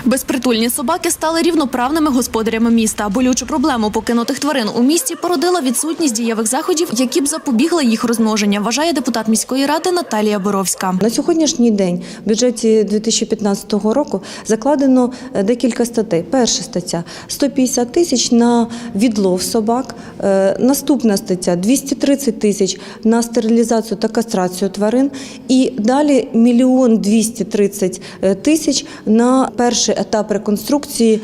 Безпритульні собаки стали рівноправними господарями міста. Болючу проблему покинутих тварин у місті породила відсутність дієвих заходів, які б запобігли їх розмноження, вважає депутат міської ради Наталія Боровська. На сьогоднішній день в бюджеті 2015 року закладено декілька статей. Перша стаття – 150 тисяч на відлов собак. Наступна стаття – 230 тисяч на стерилізацію та кастрацію тварин. І далі 1 230 тисяч на перший етап реконструкції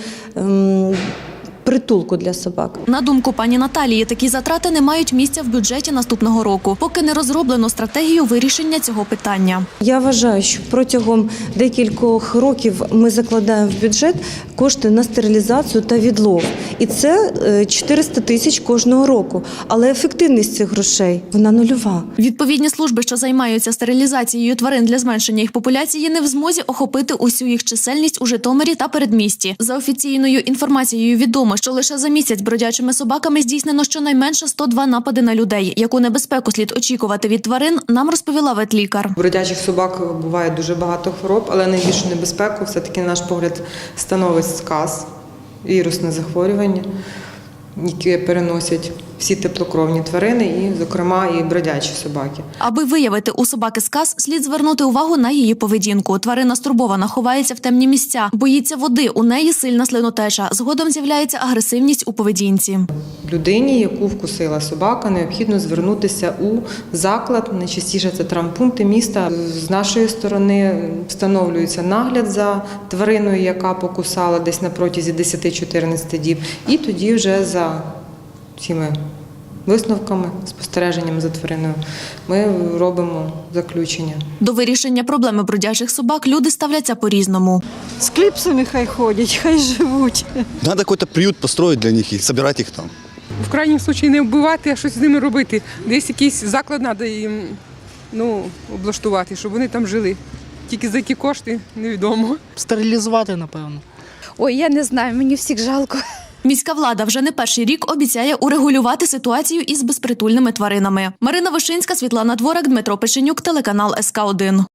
притулку для собак. На думку пані Наталії, такі затрати не мають місця в бюджеті наступного року, поки не розроблено стратегію вирішення цього питання. Я вважаю, що протягом декількох років ми закладаємо в бюджет кошти на стерилізацію та відлов. І це 400 тисяч кожного року. Але ефективність цих грошей, вона нульова. Відповідні служби, що займаються стерилізацією тварин для зменшення їх популяції, не в змозі охопити усю їх чисельність у Житомирі та передмісті. За офіційною інформацією відомо, що лише за місяць бродячими собаками здійснено щонайменше 102 напади на людей. Яку небезпеку слід очікувати від тварин, нам розповіла ветлікар. У бродячих собак буває дуже багато хвороб, але найбільшу небезпеку все-таки, на наш погляд, становить сказ, вірусне захворювання, яке переносять всі теплокровні тварини, і, зокрема, і бродячі собаки. Аби виявити у собаки сказ, слід звернути увагу на її поведінку. Тварина стурбована, ховається в темні місця, боїться води, у неї сильна слинотеча. Згодом з'являється агресивність у поведінці. Людині, яку вкусила собака, необхідно звернутися у заклад, найчастіше це травмпункти міста. З нашої сторони встановлюється нагляд за твариною, яка покусала десь на протязі 10-14 діб, і тоді вже за цими висновками, спостереженням за твариною ми робимо заключення. До вирішення проблеми бродячих собак люди ставляться по-різному. З кліпсами хай ходять, хай живуть. Надо какой-то приют построить для них и собирать их там. В крайньому випадку не вбивати, а щось з ними робити. Десь якийсь заклад треба їм облаштувати, щоб вони там жили. Тільки за які кошти – невідомо. Стерилізувати, напевно. Ой, я не знаю, мені всіх жалко. Міська влада вже не перший рік обіцяє урегулювати ситуацію із безпритульними тваринами. Марина Вишинська, Світлана Дворак, Дмитро Печенюк, телеканал СК1.